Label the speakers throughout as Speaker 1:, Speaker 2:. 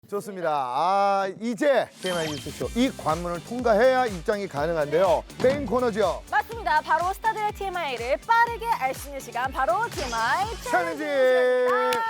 Speaker 1: 좋습니다. 이제 TMI 뉴스쇼 이 관문을 통과해야 입장이 가능한데요. 메인 코너죠.
Speaker 2: 맞습니다. 바로 스타들의 TMI를 빠르게 알 수 있는 시간, 바로 TMI
Speaker 1: 챌린지.
Speaker 2: 챌린지입니다.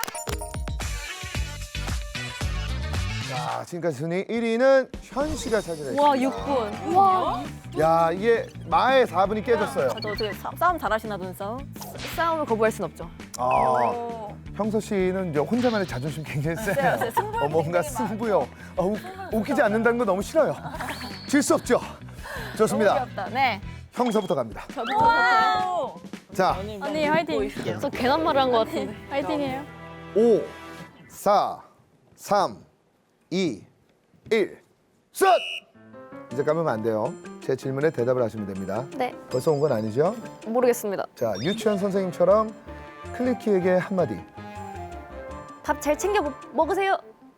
Speaker 1: 자, 지금까지 순위 1위는 현 씨가 차지했습니다.
Speaker 2: 와, 6분. 와,
Speaker 1: 야, 이게 마의 4분이 깨졌어요.
Speaker 2: 저 어떻게 싸움 잘하시나, 눈싸움? 싸움을 거부할 순 없죠.
Speaker 1: 형서 씨는 이제 혼자만의 자존심 굉장히 세요.
Speaker 2: 세요. 승부욕이
Speaker 1: 뭔가
Speaker 2: 굉장히
Speaker 1: 승부요. 웃기지 않는다는 거 너무 싫어요. 질 수 없죠.
Speaker 2: 너무
Speaker 1: 좋습니다.
Speaker 2: 귀엽다. 네.
Speaker 1: 형서부터 갑니다.
Speaker 2: 저부터.
Speaker 1: 자,
Speaker 3: 언니 화이팅. 저 괜한 말을 한 것 같은데. 화이팅이에요.
Speaker 1: 5, 4, 3, 2, 1, 셋! 이제 까면 안 돼요. 제 질문에 대답을 하시면 됩니다.
Speaker 3: 네.
Speaker 1: 벌써 온 건 아니죠?
Speaker 3: 모르겠습니다.
Speaker 1: 자, 유치원 선생님처럼 클리키에게 한마디.
Speaker 3: 밥 잘 챙겨 먹으세요.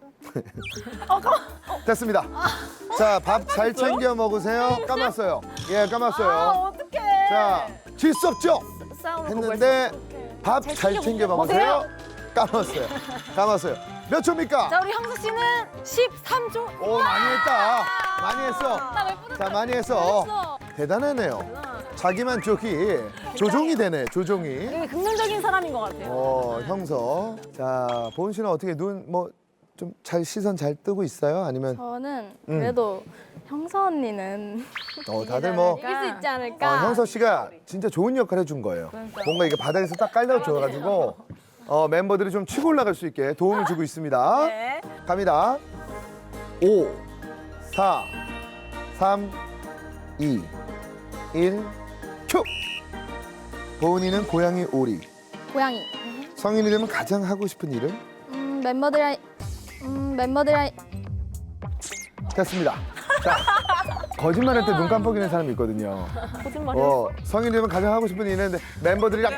Speaker 1: 됐습니다. 자, 밥 잘 챙겨 먹으세요. 까맣어요. 예, 까맣어요.
Speaker 2: 어떡해.
Speaker 1: 자, 질 수 없죠?
Speaker 2: 싸움을
Speaker 1: 했는데 밥 잘 챙겨 먹으세요. 까맣어요. 까맣어요. 몇 초입니까?
Speaker 2: 자, 우리 형수 씨는 13초.
Speaker 1: 오, 많이 했다. 많이 했어. 자, 많이 했어. 대단하네요. 자기만 조종이 되네, 조종이.
Speaker 2: 되게 긍정적인 사람인 것 같아요.
Speaker 1: 형서. 자, 보은 씨는 어떻게 눈 좀 잘 시선 잘 뜨고 있어요? 아니면
Speaker 4: 저는 그래도 형서 언니는
Speaker 1: 다들 뭐
Speaker 4: 이길 수 있지 않을까.
Speaker 1: 형서 씨가 진짜 좋은 역할 해준 거예요. 뭔가 이게 바닥에서 딱 깔려줘가지고 멤버들이 좀 치고 올라갈 수 있게 도움을 주고 있습니다.
Speaker 2: 네.
Speaker 1: 갑니다. 5, 4, 3, 2, 1, 큐! 보은이는 고양이 오리.
Speaker 4: 고양이.
Speaker 1: 성인이 되면 가장 하고 싶은 일은?
Speaker 4: 멤버들이랑
Speaker 1: 됐습니다. 자, 거짓말할 때 눈 깜빡이는 사람이 있거든요.
Speaker 2: 거짓말이야.
Speaker 1: 성인이 되면 가장 하고 싶은 일은 있는데 멤버들이랑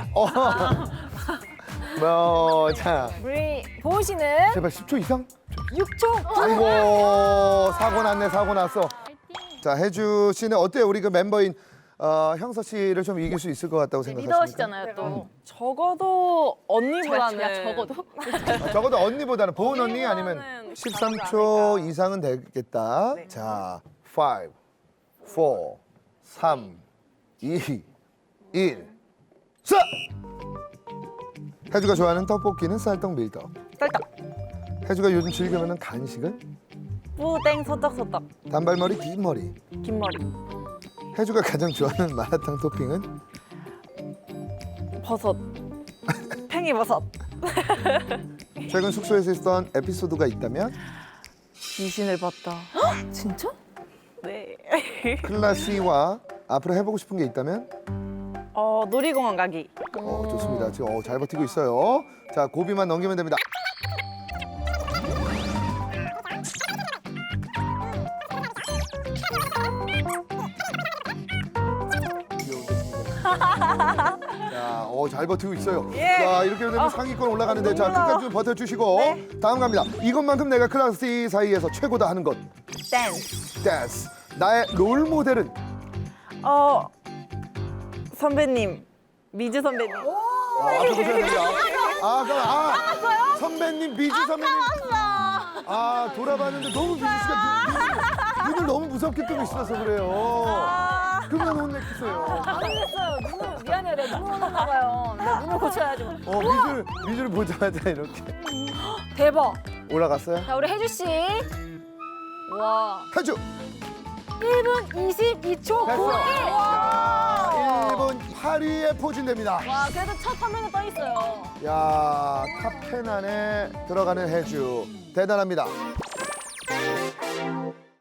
Speaker 1: 자,
Speaker 2: 우리 보은 씨는
Speaker 1: 제발 10초 이상?
Speaker 2: 6초.
Speaker 1: 아이고, 사고 났네, 사고 났어. 자, 혜주 씨는 어때요? 우리 그 멤버인 형서 씨를 좀 이길 수 있을 것 같다고 생각하십니까?
Speaker 2: 리더시잖아요, 또.
Speaker 3: 적어도 언니보다는.
Speaker 2: 야, 적어도?
Speaker 1: 적어도 언니보다는 보은 언니 아니면 13초 이상은 되겠다. 자, 5, 4, 3, 2, 1, 셋! 혜주가 좋아하는 떡볶이는 쌀떡 밀떡.
Speaker 2: 쌀떡.
Speaker 1: 혜주가 요즘 즐겨 먹는 간식은?
Speaker 2: 뿌땡 소떡소떡.
Speaker 1: 단발머리, 긴 머리.
Speaker 2: 긴 머리.
Speaker 1: 혜주가 가장 좋아하는 마라탕 토핑은?
Speaker 2: 버섯. 팽이버섯.
Speaker 1: 최근 숙소에서 있었던 에피소드가 있다면?
Speaker 2: 귀신을 봤다. 진짜? 네.
Speaker 1: 클라시와 앞으로 해보고 싶은 게 있다면?
Speaker 2: 놀이공원 가기.
Speaker 1: 좋습니다. 지금 잘 버티고 있어요. 자, 고비만 넘기면 됩니다. 자, 잘 버티고 있어요. 자, 이렇게 되면 상위권 올라가는데 자, 끝까지 좀 버텨주시고 다음 갑니다. 이것만큼 내가 클래스 사이에서 최고다 하는 것.
Speaker 2: 댄스.
Speaker 1: 댄스. 나의 롤 모델은?
Speaker 2: 선배님. 미주 선배님.
Speaker 1: 앞에 보셔야 됩니다. 선배님, 미주 선배님. 돌아봤는데 너무 미주 씨가 눈을 너무 무섭게 뜨고 있어서 그래요. 그만 혼냈어요.
Speaker 2: 안 흘렸어요. 눈을 미안해요. 내가 눈을 오는가 봐요. 내가 눈을 고쳐야죠.
Speaker 1: 미주를 보자마자 이렇게
Speaker 2: 대박.
Speaker 1: 올라갔어요.
Speaker 2: 자, 우리 혜주 씨. 와.
Speaker 1: 혜주
Speaker 2: 1분 22초 91. 와.
Speaker 1: 1분 8위에 포진됩니다.
Speaker 2: 와, 그래도 첫 화면에 떠 있어요.
Speaker 1: 야, 탑 10 안에 들어가는 혜주 대단합니다.